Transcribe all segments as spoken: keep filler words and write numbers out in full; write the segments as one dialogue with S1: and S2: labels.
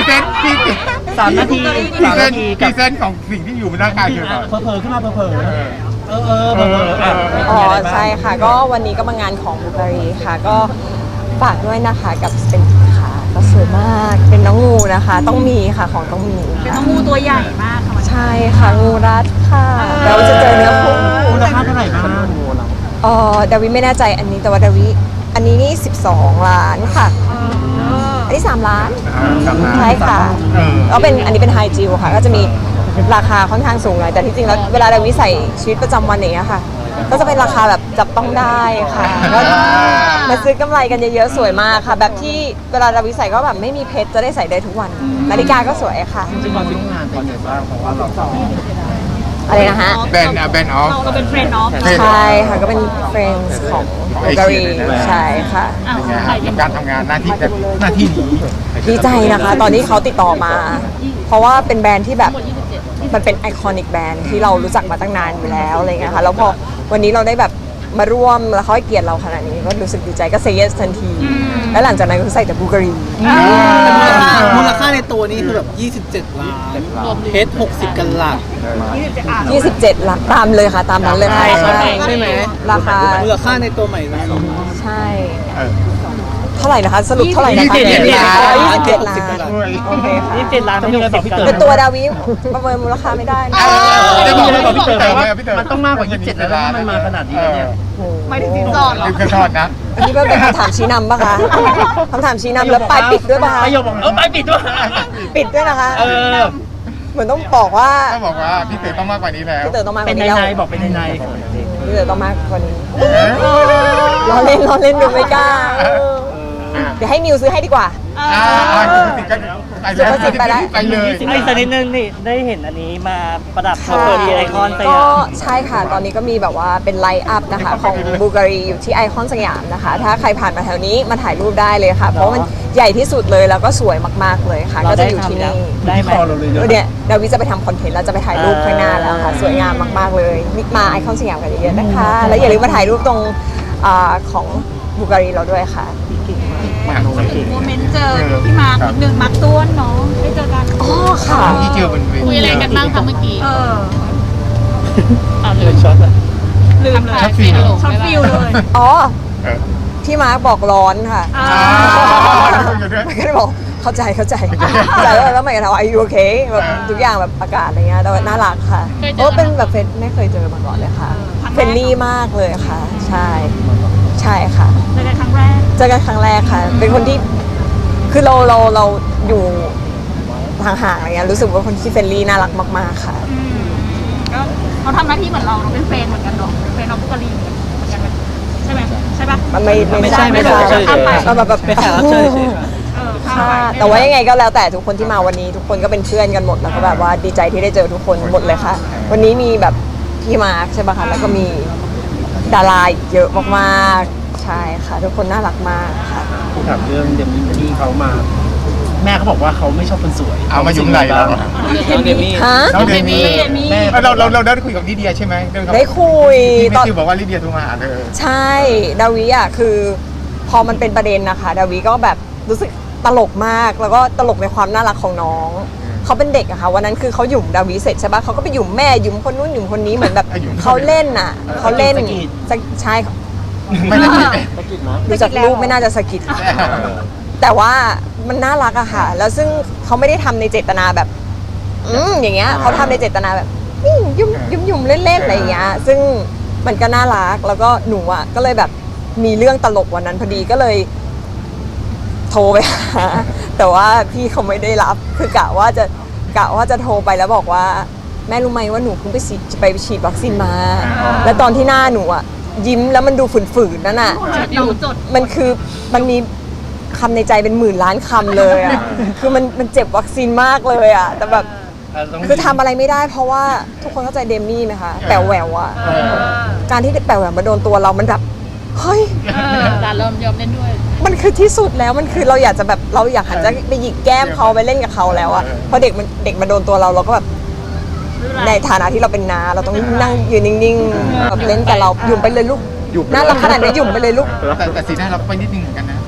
S1: เซนพรีเซน
S2: สามนาที
S1: พรี
S2: สาม
S1: เซ
S2: นาน ที
S1: พ
S2: กั
S1: รี
S2: บ
S1: เซนของสิ่งที่อยู่บนร่างกายเธอก่อน
S2: เผลอๆขึ้นมาเผลอๆเออเออเผลอๆอ่ะ
S3: อ๋อใช่ค่ะก็วันนี้ก็มางานของบูการีค่ะก็ฝากด้วยนะคะกับสเปนค่ะก็สวยมากเป็นน้องงูนะคะ ต้องมีค่ะของต้องมี
S4: เป็นน้องงูตัวใหญ่มากค่ะ
S3: ใช่ค่ะงูรัดค่ะเราจะเจอเนื้อคู่
S2: มูลค่าเท่าไหร่บ้างงูเรา
S3: เออดาวิไม่แน่ใจอันนี้แต่ว่าดาวิอันนี้นี่สิบสองล้านค่ะอันนี้สามล้านใช่ค่ะก็เป็นอันนี้เป็นไฮจิวค่ะก็จะมีราคาค่อนข้างสูงหน่อยแต่ที่จริงแล้วเวลาดาวิใส่ชีวิตประจำวันอย่างเงี้ยค่ะ ก็จะเป็นราคาแบบจับต้องได้ค่ะก็มาซื้อกำไรกันเยอะๆสวยมากค่ะ แบบที่เวลาดาวิใส่ก็แบบไม่มีเพชรจะได้ใส่ได้ทุกวันนาฬิกาก็สวยค่ะ
S2: จริงๆตอนร่วมงานเป็นไงบ้างเพราะว่าเราสอง
S3: อะไรนะฮะ
S1: แบนอะแบนออฟ
S4: เราเราเป็นเฟรนด์เนาะ
S3: ใช่ค่ะก็เป็น friends ของบูการีใช่ค่ะ
S1: เป็นไงฮะกับการทำงานหน้าที่หน้าที่นี้
S3: ดีใจนะคะตอนที่เขาติดต่อมา เพราะว่าเป็นแบรนด์ที่แบบมันเป็นไอคอนิกแบรนด์ที่เรารู้จักมาตั้งนานอยู่แล้วอะไรเงี้ยค่ะแล้วพอวันนี้เราได้แบบมาร่วมแล้วเขาให้เกียรติเราขนาดนี้ก็รู้สึกดีใจก็เซเยสทันที แล้วหลังจากนั้นก็ใส่แต่บูการี
S5: มูลค่าในตัวนี้คือแบบยี่สิบเจ็ดล้านเพชรหกสิบกันหลัก
S3: ยี่สิบเจ็ดหลักตามเลยค่ะตามนั้นเลยค่ะ
S5: ใช่ไหม
S3: ราคา
S5: มูลค่าในตัวใหม่นะ
S3: ใช่เท่าไหร่นะคะสรุปเท่าไหร่นะคะ
S2: ยี่สิบเจ็ดล้าน
S3: อ๋อยี่สิบเจ็ดล้านโอเคค่ะ
S2: ยี่สิบเจ็ดล้านไม่มีอะไรบอกพี่เต๋อ
S3: เป็นตัวดาวิประเมินมูลค่าไม่ได้นะ
S2: จะบอกเลยบอกพี่เต๋อว่ามันต้องมากกว่ายี่สิบเจ็ดแล้วถ้ามันมาขนาดนี้แล้วเนี่ย
S4: ไม่ถึงสินสอดหรอ
S1: ลืมกระทอดนะ
S3: อันนี้เป็นคำถามชี้นำปะคะคำถามชี้นำแล้วปลายปิดด้วยปะคะ
S2: ประโยคบอกเออปลายปิดด้วย
S3: ปิดด้วยนะคะ
S2: เออ
S3: เหมือนต้องบอกว่า
S1: ต้องบอกว่าพี่เต๋อต้องมากกว่านี้แล้ว
S3: พี่เต๋อต้องมากก
S2: เป็น
S3: ว่า
S2: ใน
S3: นี้แล้ว
S2: ในบอกเป็นในใน
S3: พี่เต๋อต้องมากกว่านี้ล้อเล่นล้อเล่นดูไม่กล้าเออเดี๋ยวให้มิวซื้อให้ดีกว่า
S1: อ่าอ่าคุณสิก็ไปเลยไปเลย
S2: ไอ้สักนิดนึงนี่ได้เห็นอันนี้มาประดับ
S3: ค่ะ
S2: เปิดที่ไอคอนส
S3: ก็
S2: ยาม
S3: ใช่ค่ะ ตอนนี้ก็มีแบบว่าเป็นไลท์อัพนะคะของบูการีอยู่ที่ไอคอนสยามนะคะ ถ้าใครผ่านมาแถวนี้มาถ่ายรูปได้เลยค่ะ เพราะมันใหญ่ที่สุดเลยแล้วก็สวยมากๆเลยค่ะ ก็จะอยู่ที่นี่
S2: ได้ไหม
S3: เนี่ยดาวิจะไปทำคอนเทนต์แล้วจะไปถ่ายรูปข้างหน้าแล้วค่ะ สวยงามมากๆเลยมิมาไอคอนสยามกันเยอะๆนะคะ แล้วอย่าลืมมาถ่ายรูปตรงอ่าของบูการีเราด้วยค่ะ
S4: โมเมนต์เจอพี่มาร์คนิดนึงมาร์คต้วนเนาะได้เจอกัน
S3: อ๋อค่ะ
S1: ที่เจอบนเวที
S4: คุยอะไรกันบ้างคะเมื่อกี้เออ
S2: อ่าเลยช็อตอะ
S4: ลืมเลย
S1: ช็อตฟิล
S4: ช็อตฟิลเลย
S3: อ๋อ
S1: เออ
S3: พี่มาร์คบอกร้อนค่ะ
S4: อ่า
S3: มันก็เลยบอกเข้าใจเข้าใจเข้าใจแล้วแล้วมันก็ถามว่าอายุโอเคแบบทุกอย่างแบบอากาศอะไรเงี้ยแต่ว่าน่ารักค่ะโอ้เป็นแบบเฟรนไม่เคยเจอมาก่อนเลยค่ะเฟรนลี่มากเลยค่ะ ใช่ใช่ค่ะ
S4: เจอกันครั้งแรก
S3: เจอกันครั้งแรกค่ะ เป็นคนที่คือเราเราเราอยู่ห่างๆอะไรเงี้ยรู้สึกว่าคนที่เฟรนลี่น่ารักมากๆค่ะ
S4: อืมก็เขาทำหน้าที่เหมือนเราเราเป็นเฟรนด์เหมือนกันเนาะเป็นเฟรนด์น้องบุกรีเหมือนกันใช่ไหมใช่ปะ
S3: มันไม่
S2: ไม่ใช่ไม่ใช่ไม่ใช่
S3: เราแบบแบบ
S5: เป็นแขกรับเชิญเฉยๆครับ
S4: เออข้าม
S3: ค่ะ
S4: ไป
S3: แต่ว่ายังไงก็แล้วแต่ทุกคนที่มาวันนี้ทุกคนก็เป็นเพื่อนกันหมดแล้วก็แบบว่าดีใจที่ได้เจอทุกคนหมดเลยค่ะ วันนี้มีแบบพี่มาร์คใช่ปะคะแล้วก็มีดาราอีกเยอะมากๆใช่ค่ะ ทุกคนน่ารักมากค่ะ
S2: ถามเรื่องเดมมี่ที่เขามา แม่เขาบอกว่าเขาไม่ชอบคนสวย
S1: เอามายุ่งไรเรา
S5: น้องเดมี่
S3: ฮะ
S1: น้องเดมี่
S2: แม่
S1: เราเราเราได้คุยกับลิเดียใช่ไหมเรื่อง
S3: ได้คุย
S1: ที่
S3: ตอน
S1: ที่บอกว่าลิเดียโทรมาหาเธอ
S3: ใช่ดาวิอ่ะคือพอมันเป็นประเด็นนะคะดาวิก็แบบรู้สึกตลกมากแล้วก็ตลกในความน่ารักของน้องเขาเป็นเด็กอะค่ะวันนั้นคือเขาหยุ่มดาวิเสร็จใช่ปะเขาก็ไปหยุ่มแม่หยุ่มคนนู้นหยุ่มคนนี้เหมือนแบบเขาเล่นน่ะเขาเล่นใช่
S1: ไม่ได้คุย
S2: ตะกิดนะ
S3: ดูจากรูปไม่น่าจะสะกิดแต่ว่ามันน่ารักอะค่ะ แล้วซึ่งเขาไม่ได้ทำในเจตนาแบบ อืมอย่างเงี้ยเขาทำในเจตนาแบบนี่ยุ่มยุ่มยุ่มเล่นๆอะไรอย่างเงี้ย ซึ่งมันก็น่ารักแล้วก็หนูอะก็เลยแบบมีเรื่องตลกวันนั้นพอดีก็เลย โทรไปหาแต่ว่าพี่เขาไม่ได้รับคือกะว่าจะกะว่าจะโทรไปแล้วบอกว่า แม่รู้ไหมว่าหนูเพิ่งไปฉีดไปฉีดวัคซีนมา แล้วตอนที่หน้าหนูอะยิ้มแล้วมันดูฝืนๆนั่นน่ะ
S4: เราจด
S3: มันคือมันมีคำในใจเป็นหมื่นล้านคำเลยอ่ะ คือมันมันเจ็บวัคซีนมากเลยอ่ะ แต่แบบคือทำอะไรไม่ได้เพราะว่าทุกคนเข้าใจเดมี่ไหมคะแป๋วแหววอ่ะ การที่แป๋วแหววมาโดนตัวเรามันแบบเฮ้ย
S4: การเริ่มยอมเล่นด้วย
S3: มันคือที่สุดแล้วมันคือเราอยากจะแบบเราอยากหันจะไปหยิกแก้มเขาไปเล่นกับเขาแล้วอ่ะพอเด็กมันเด็กมาโดนตัวเราเราก็แบบในฐานะที่เราเป็นน้าเราต้องนั่งยืนนิ่งๆแบบเล่นกับเราหยุ่มไปเลยลูกน่ารักขนาดนี้หยุ่มไปเลยลูก
S1: แต่แต่สีหน้าเราไปนิดนึงเหมือนกันนะ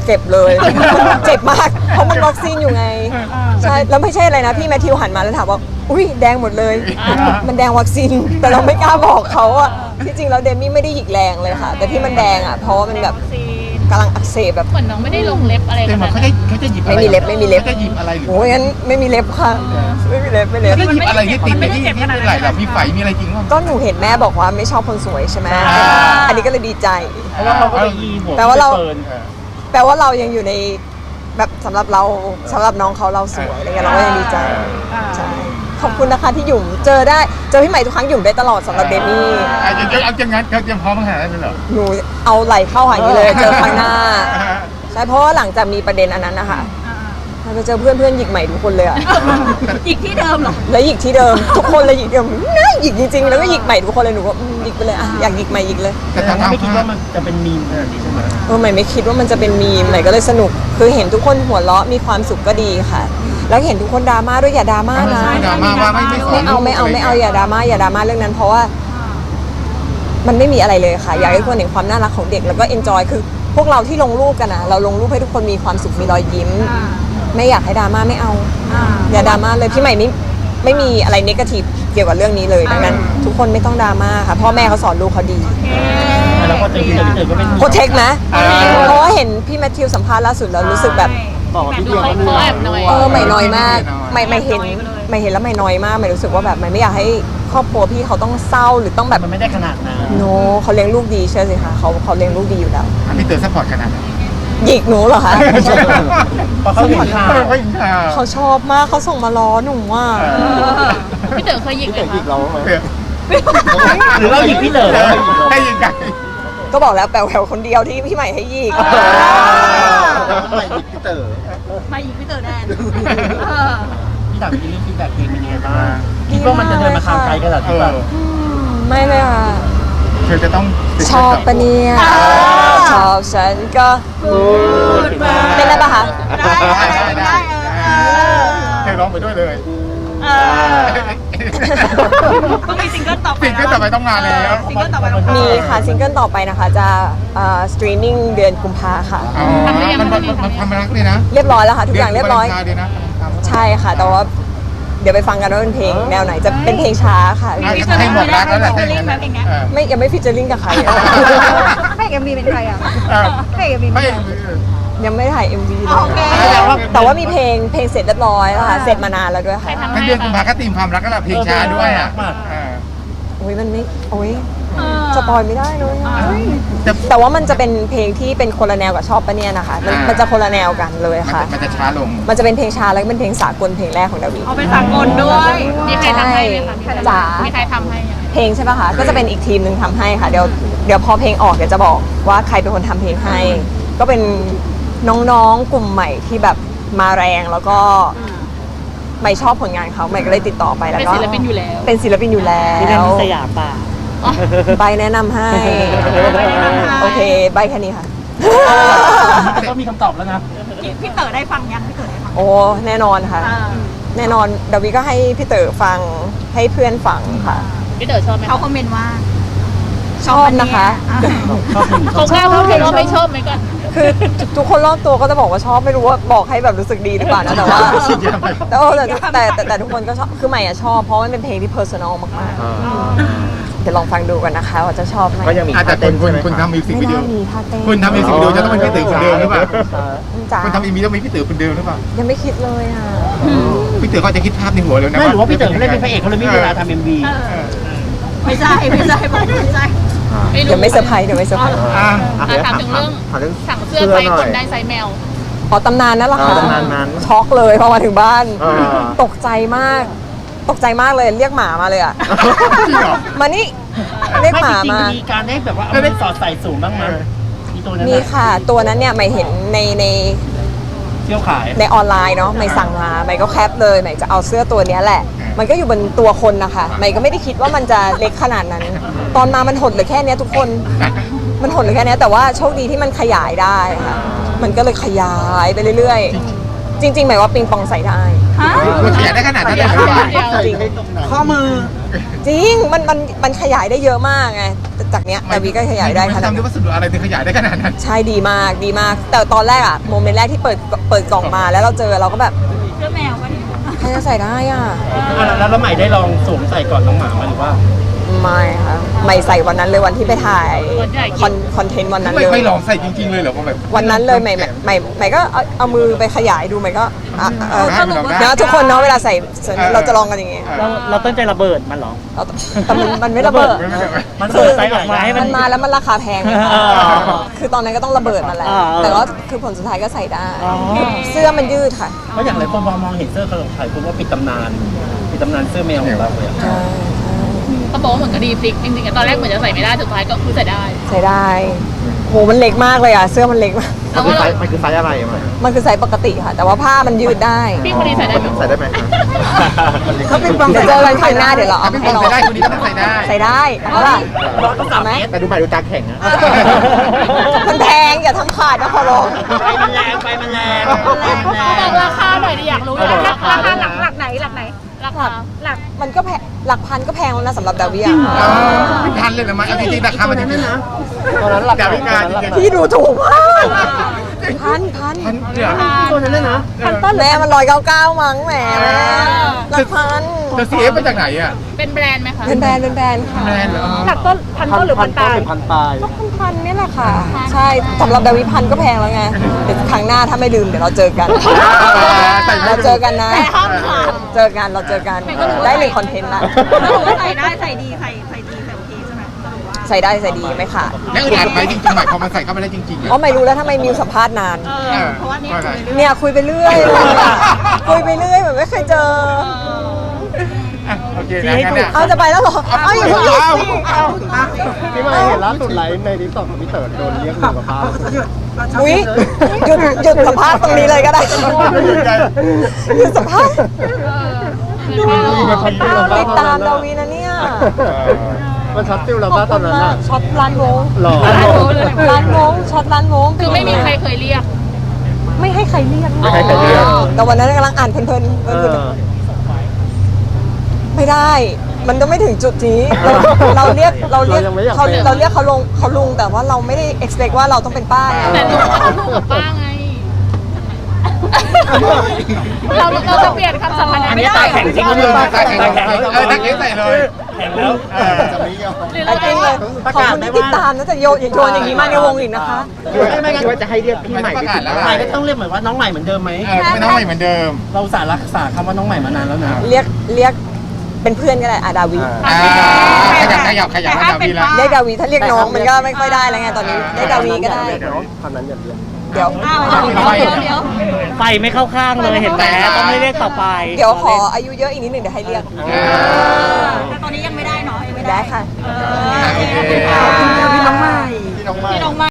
S3: เก็บเลย เจ็บมากเพราะมันวัคซีนอยู่ไงใช่แล้วไม่ใช่อะไรนะพี่แมทธิวหันมาแล้วถามว่าอุ้ยแดงหมดเลย มันแดงวัคซีนแต่เราไม่กล้าบอกเขาอะที่จริงแล้วเดมี่ไม่ได้หยิกแรงเลยค่ะ แต่ที่มันแดงอะเพราะว่ามันแบบกำลังอักเสบแบบ
S4: เหมือนน้องไม่ได้ลงเล็บอะไร
S1: เต็มหมดเขาจะเขาจะหยิบอะไร
S3: ไม่มีเล็บไม่มีเล็บ
S1: เขาจะหยิบอะไรหรือ
S3: โอ้ยงั้นไม่มีเล็บค่ะไม่มีเล็บไม่เล็บ
S1: เขาจะหยิบอะไรที่ติดในที่ที่เป็นไหล่เรามีไฝมีอะไรจริงป่ะ
S3: ก็หนูเห็นแม่บอกว่าไม่ชอบคนสวยใช่ไหม
S1: อ่า
S3: อันนี้ก็เลยดีใจ
S2: เพราะว่าเขาก็เลยยีหัว
S3: แปลว่าเรา
S2: ฟิร์น
S3: แปลว่าเรายังอยู่ในแบบสำหรับเราสำหรับน้องเขาเราสวยอะไรเงี้ยเราก็ยังดีใจใช่ขอบคุณนะคะที่หยุ่มเจอได้เจอพี่ใหม่ทุกครั้งหยุ่มได้ตลอดสำหรับเดมี่
S1: อ่ะจะเอาจังงั้นเขาเตรียมพร้อมขนาดนั้นเลยเหรอ
S3: หนูเอาไหลเข้าหาอย่างนี้เลยเจอครั้งหน้าใช่เพราะว่าหลังจากมีประเด็นอันนั้นนะคะเราจะเจอเพื่อนเพื่อนๆหยิกใหม่ทุกคนเลยอะ
S4: อีกที่เดิมเหรอ
S3: แล้วหยิกที่เดิมทุกคนเลยหยิกเดิมน่าหยิกจริงๆแล้วก็หยิกใหม่ทุกคนเลยหนูก็อืมหยิกไปเลยอะอยากหยิกใหม่หยิกเลย
S1: แต่
S2: แต่
S1: ทาง
S2: ไม่คิด
S1: ภา
S2: ว่า
S1: พ
S2: มันจะเป็นมีมขนาดนี้ใช่ไหม
S3: เออใหม่ไม่คิดว่ามันจะเป็นมีมใหม่ก็เลยสนุกคือเห็นทุกคนหัวเราะมีความสุขก็ดีค่ะ แล้วเห็นทุกคนดราม่าด้วยอย่าดราม่านะ
S1: ดราม่าว่าไม่ไม่สอน
S3: ไม่เอาไม่เอาไม่เอาอย่าดราม่าอย่าดราม่าเรื่องนั้น เพราะว่ามันไม่มีอะไรเลยค่ะ อยากให้ทุกคนเห็นความน่ารักของเด็กแล้วก็เอนจอยคือพวกเราที่ลงรูปกันนะเราลงรูปให้ทุกคนมีความสุขมีรอยยิ้ม ไม่อยากให้ดราม่าไม่เอาอย่าดราม่าเลยพี่ใหม่ไม่ไม่มีอะไรเนกาทีฟเกี่ยวกับเรื่องนี้เลยดังนั้น ทุกคนไม่ต้องดราม่าค่ะพ่อแม่เขาสอนลูกเขาดี
S2: แล้วพอเจอพี่เต๋อพี่เต๋อก็เป็น
S3: โปรเทคนะเพราะว่าเห็นพี่แมทธิวสัมภาษณ์ล่าสุดแล้วรู้สึกแบบ
S2: บอกพี่เดียว
S4: เขาแอบหน่อย
S3: เออไม่น้อยมากไม่ไม่เห็นไม่เห็นแล้วไม่น้อยมากไม่รู้สึกว่าแบบไม่ไม่อยากให้ครอบครัวพี่เขาต้องเศร้าหรือต้องแบบ
S2: มันไม่ได้ขนาดนั้น
S3: โนเขาเลี้ยงลูกดีเชื่อสิคะเขาเขาเลี้ยงลูกดีอยู่แล้ว
S1: อ่ะพี่เต๋อซัพพอร์ตขนาดไหน
S3: หยิกหนูเหรอคะ
S2: พอเขาเห็นข่าว
S1: เออเขาเห็นข่าว
S3: เขาชอบมากเขาส่งมาล้อหนูว่า
S4: พี่เต๋อเคยหยิกไหมคะ
S1: เต๋อ
S2: หรือเราหยิกพี่เต๋อ
S1: เออให้ยังไง
S3: ก็บอกแล้วแปลวแหวคนเดียวที่พี่ใหม่ให้หยิก
S2: ไม่หยิกพี่เต๋อ
S4: มาหยิกพี่เต๋อแดน
S2: พี่ถามพี่เรื่องฟีดแบ็กเพลงเป็นยังไงบ้างคิดว่ามันจะเดินมาทางไกลขนาด
S1: เอ
S2: ที่
S1: อ
S2: แบบ
S3: อืมไม่เลยค่ะ
S1: เธอจะต้องติด
S3: ชอบปะเนี่ย ชอบฉันก็เต้นได้ปะคะ
S4: ได้ได้ได้เออ
S1: เธอร้องไปด้วยเลย
S4: เออก็มีซิงเกิลต่อไป
S1: สิ่งที่ต่อไปต้องมาแล้ว
S4: ซิงเกิลต่อไปต้อง
S3: มีค่ะซิงเกิลต่อไปนะคะจะสตรีมมิ่งเดือนกุมภาค่ะ
S1: อ๋อมันมันมันความรักเลยนะ
S3: เรียบร้อยแล้วค่ะ ทุกอย่างเรียบร้อย
S1: ดืนวาเลนไทน์เลยนะ
S3: ใช่ค่ะ แต่ว่าเดี๋ยวไปฟังกันว่าเป็นเพลงแนวไหนจะเป็นเพลงช้าค่ะ
S1: อ่ะให้บอกรักแล้วแหละถ้าอย่างนั้นเออ
S3: ไม่ยังไม่ฟิชเจอริงกับใครอะ
S6: พระเอกเอ็มวีเป็นใครอ่ะ
S1: เออ
S6: พระเอกเอ็มวี
S1: ไม่
S3: ยังไม่ถ่าย เอ็ม วี เล
S4: โอย เค
S3: แต่ว่ามีเพลงเพลงเสร็จเรียบร้อยแล้วค่ะ เสร็จมานานแล้วด้วยค่ะ
S1: ทั้งเดือนกุมภาก็ตีมความรักก็แหละเพลงช้าด้วยอ่ะเออ
S3: โอ้ยมันไม่โอ้ยสปอยไม่ได้เลยอะ
S1: จะ
S3: แต่ว่ามันจะเป็นเพลงที่เป็นคนละแนวกับชอบปะเนี่ยนะคะมันมันจะคนละแนวกันเลย
S1: มัน
S3: ค่ะ
S1: จะมันจะช้าลง
S3: มันจะเป็นเพลงช้าแล้วก็เป็นเพลงสากลเพลงแรกของดาวิ
S4: เอาเป็นสากลด้วย มีใครทำให้ไหมคะ
S3: จ๋า
S4: มีใครทำให้ไหม
S3: เพลงใช่ปะคะ ก็จะเป็นอีกทีมหนึ่งทำให้ค่ะ เดี๋ยวเดี๋ยวพอเพลงออกเดี๋ยวจะบอกว่าใครเป็นคนทำเพลงให้ ก็เป็นน้องๆกลุ่มใหม่ที่แบบมาแรงแล้วก็ใหม่ชอบผลงานเขาใหม่ก็เลยติดต่อไปแล้ว
S4: เป็น
S3: ก็
S4: ศิลปินอยู่แล้ว
S3: เป็นศิลปินอยู่แล้
S2: ที่นั่น
S3: ว
S2: ที่สยามป่ะ
S3: ใบแนะนำให้ โอเค ใบแค่นี้ค่ะ
S2: ก็มีคำตอบแล้วนะ
S4: พี่เต๋อได้ฟังยังพี่เต๋อได้ฟัง
S3: โอ้แน่นอนค่ะ แน่นอนดาวิก็ให้พี่เต๋อฟังให้เพื่อนฟังค่ะ
S4: พี่เต๋อชอบไหมเขาคอมเมนต์ว่า
S3: ชอบนะคะ
S2: ชอบเพลง
S4: เขาแค่เขาเห็นว่าไม่ชอบไหมก่อน
S3: คือทุกคนรอบตัวก็จะบอกว่าชอบไม่รู้ว่าบอกให้แบบรู้สึกดีหรือเปล่านะแต่ว่าแต่เออแต่แต่แต่แต่ทุกคนก็ชอบคือใหม่อะชอบเพราะมันเป็นเพลงที่เพอร์ซันอลมากๆเดี๋ยวลองฟังดูกันนะคะว่าจะชอบไหม
S7: ก็ยังมี
S1: อาจจะคุณคุณคุณทำมิวสิก
S3: ไม่
S1: วิดีโอ
S3: น่ามีท่าเต้น
S1: คุณทำมิวสิกวิดีโอจะต้องเป็นพี่เต๋อคนเดิมหรือเปล่า
S3: จ๋า
S1: คุณทำอีมีต้องเป็นพี่เต๋อคนเดิมหรือเปล่า
S3: ยังไม่คิดเลยอ่ะ
S1: พี่เต๋อก็จะคิดภาพในหัวเลยนะ
S2: ไม่หรือว่าพี่เต๋อเขาเล่นเป็นพระเอกเขาเลยไม่มีเวลาทำเอ็มวี
S4: ไม่ใช่ไม่ใช่ไม่ใช่
S3: เดี๋ยวไม่เซอร์ไพรส์เดี๋ยวไม่เซอร์ไพรส์
S1: อ่า
S4: อ่ะถามถึงเรื่อง
S7: ถามเรื่อง
S4: สั่งเสื้อไปคนได้ไซส์แมว
S3: อ๋อตำนานนั่นแหละค่ะ
S7: อ่าตำนานนั้น
S3: ช็อกเลยพอมาถึงบ้าน
S7: อ่า
S3: ตกใจมาก ตกใจมากเลยเรียกหมามาเลยอ่ะ
S1: จริงเหรอ
S3: มานี่เรียกหมา
S2: จริง
S3: มา
S2: ๆมีการได้แบบว่าเอาไปสอดใส่สูงบ้างไหมมีตัวนั้น
S3: มีค่ะตัวนั้นเนี่ยไม่เห็นในใน
S2: เที่ยวขาย
S3: ในออนไลน์เนาะไม่สั่งมาไม่ก็แคปเลยไม่จะเอาเสื้อตัวเนี้ยแหละ มันก็อยู่บนตัวคนนะคะไม่ก็ไม่ได้คิดว่ามันจะเล็กขนาดนั้น ตอนมามันหดเหลือแค่เนี้ยทุกคน มันหดเหลือแค่เนี้ยแต่ว่าโชคดีที่มันขยายได้ค่ะ มันก็เลยขยายไปเรื่อยๆจริงๆหมายว่าปิงปองใส่ได้
S4: ฮะ
S1: มันขยายได้ขนาดนั้นเลยเหรอ
S3: จริง
S5: ข้อมือ
S3: จริงมันมันมันขยายได้เยอะมากไงจากเนี้ยดาวีก็ขยายได้ขนาด
S1: ทำด้วย
S3: นั้น
S1: วัสดุอะไรถึงขยายได้ขนาดนั้น
S3: ใช่ดีมากดีมาก แต่ตอนแรกอะโมเมนต์แรกที่เปิดเปิดกล่องมาแล้วเราเจอเราก็แบบ
S4: เสื้อแมวก็ดี
S3: ใครจะใส่ได้อ่ะ
S2: อ่ะแล้วแล้วใหม่ได้ลองสวมใส่ก่อนน้องหมามาหรือว่า
S3: ไม่ค่ะไม่ใส่วันนั้นเลยวันที่ไปถ่ายคอนคอนเทนต์วันนั้น
S1: ไม่
S3: เลย
S1: ไม่ลองใส่จริงๆเลยเหรอว่าแบบ
S3: วันนั้นเลยใหม่ใหม่ใหม่ใหม่ก็เอาเอามือไปขยายดูใหม่ก็อ่ะเออ
S1: สรุปว่า
S3: นะทุกคนเนาะเวลาใส่เราจะลองกันอย่างงี้
S2: เราเราตั้งใจระเบิดมันเหรอ
S3: เราแต่มันมันไม่ระเบิด
S1: ไม่ไม่ไม่
S2: มันเปิดไซส์ออกมาให้มั
S3: มัน นมาแล้วมันราคาแพง
S2: อ๋อ
S3: คือตอนนั้นก็ต้องระเบิดมันแหละ
S2: อ๋อ
S3: แต่ว่าคือผลสุดท้ายก็ใส่ได้
S2: อ๋อ
S3: เสื้อมันยืดค่ะ
S2: เพราะอย่างไรคนมองเห็นเสื้อเขาหลงถ่ายคุณว่าปิดตำนานปิดตำนานเสื้อแมวของเราเลยอะ
S3: ใช่
S4: เขาบอกว่าเหมือนกับดีพลิกจริงๆอะตอนแรกเหมือนจะใส่ไม่ได้สุดท้ายก็คือใส่ได้
S3: ใส่ได้โหมันเล็กมากเลยอ่ะเสื้อมันเล็กมาก
S4: แล้วก็
S1: มันคือไซส์อะไรมั้ย
S3: มันคือไซส์ปกติค่ะ แต่ว่าผ้ามันยืดได้
S4: พี่คนนี้ใส่ได้ไหม
S1: ใส่ได้ไหม
S3: เขาเป็นปองเดี๋ยวเจอกันครั้งหน้าเดี๋ยวเราเอา
S1: ถ้า
S3: มา
S1: เป็น
S3: ให้
S1: ป
S3: ล
S1: อ
S3: อง ง
S1: ใส่ได้คนนี้ก็ต้องใส่ได้
S3: ใส่ได้เอาล่ะ
S2: ต้องสามเมตร
S1: แต่ดูใหม่ดูตาแข็งนะ
S3: มันแพงอย่าทำขาดนะขอร้อง
S2: ไฟมันแรงไฟมันแรง
S4: บอกราคาหน่อยดิอยากรู้อยากราคาหลักหลักไหนหลักไหนราคาหลัก
S3: มันก็แพงหลักพันก็แพงแล้วนะสำหรับดาวิอ่ะ
S1: เป็นพันเลยเหรอมาเอาจริงๆราคามันจริงๆนะตอนนั้นราคาพิการจริงๆ
S3: พี่ดูถูกมากพันพัน
S1: พันเดียว
S2: ตัวนั้นเลยนะ
S3: พันต้นแม่มันร้อยเก้าเก้ามั้งแหมหลักพัน
S1: เธอซีเอฟมาจากไหนอ่ะ
S4: เป็นแบรนด์ไหมคะ
S3: เป็นแบรนด์เป็นแบรนด์ค่ะ
S1: แบรนด์เหรอ
S6: หลักต้นพันต้นหรือพันตาย
S2: พันปลาย
S3: ก็พันพันนี่แหละค่ะ ใช่สำหรับดาวิพันก็แพงแล้วไงเดี๋ยวครั้งหน้าถ้าไม่ลืมเดี๋ยวเราเจอกัน เราเจอกันนะ
S4: แต่ห้ามขาด
S3: เจอกันเราเจอกันได้หนึ่งคอนเทนต์ละ
S4: สรุปว่าใส่ได้ใส่ดีใส่ใส่ดีใส่โอเคใช่ไหมสรุปว่า
S3: ใส่ได้ใส่ดีไหมค่ะ
S1: แล้วอึดอัดไหมจริงๆหมายพอมันใส่เข้าไปได้จริงๆ
S3: อ๋อไม่รู้แล้วทำไมมิวสัมภาษณ์นาน
S4: เออเพราะว่าเนี่ยคุยเรื่อย
S3: เนี่ยคุยไปเรื่อยเลยอะคุยไปเรื่อยเหมือนไม่เคยเจอ
S1: โอเคนะงั้นเนี่ย
S3: เอาจะไปแล้วเหรอ เอาอย่าเพิ่งหยุดสิเอา
S1: พี่มาเห็นล่าสุดไลฟ์ในทิกตอกของพี่เต๋อโดนเรียกหนึ่งกับป้า
S3: อุ้ยหยุดหยุดสัมภาษณ์ตรงนี้เลยก็ได้หยุดสัมภาษณ์ติดตามดาวีนะเนี่ย
S1: มันช็อตฟิลเรา
S3: ขอ
S1: ป้า
S3: บ
S1: ต
S3: คุ
S1: อน
S3: ณ
S1: นั้น
S3: มาก
S1: อ่ะ
S3: ช็อตร้านวง
S1: หล่อ
S3: ร้านวงร้านวงช็อตร้านวง
S4: คือไม่มีใครเคยเรียก
S3: ไม่ให้ใครเรียก
S1: ไม่ให้ใครเรียก
S3: แต่วันนั้นกำลังอ่านเพลินๆเออไม่ได้ มันต้องไม่ถึงจุดนี้ เราเราเรียกเราเรียกเขาเราเรียกเขาลงเขาลุงแต่ว่าเราไม่ได้ expect ว่าเราต้องเป็นป้าไง
S4: แต่ลุงก็ต้องลูกกับป้าไง เราเราจะเปลี่ยนคำสัมพันธ์
S2: อัน
S4: ไม่
S2: นี้
S4: ได้
S2: ตาแข็งจริง
S1: ก็คือตาแข็งตาแข็งเออตาแข็งใส่เลย
S2: แข็งแล้ว
S1: เออจะไม่ยอม
S4: หรือ
S3: เอา
S4: เรา
S3: จริงเลยขอบคุณที่ติดตามนะแต่โยนอย่าโยนอย่างนี้มาในวงอีกนะคะ
S1: ไม่งั้นว่าจะให้เรียกพี่ใหม่ประกาศแล้ว
S2: ใหม่ก็ต้องเรียกเหมือนว่าน้องใหม่เหมือนเดิมไหม
S1: เออไม่น้องใหม่เหมือนเดิม
S2: เราสารรักษาคำว่าน้องใหม่มานานแล้วนะ
S3: เรียกเรียกเป็นเพื่อนก็ได้อาดาวี
S1: อ่าขยับขยับขยับมาดาวีละ
S3: เรียกดาวีถ้าเรียกน้องมันก็ไม่ค่อยได้แล้วไงตอนนี้เรียกดาวีก็ได้
S1: คำนั้นอย่าเรียก
S3: เดี๋ยว
S4: อ้าวเดี๋ยวเดี๋ยว
S2: ไฟไม่เข้าข้างเลยเห็นไหมต้องไม่เรียกต่อไป
S3: เดี๋ยวขออายุเยอะอีกนิดหนึ่งเดี๋ยวให้เรียก
S4: แต่ตอนนี้ยัง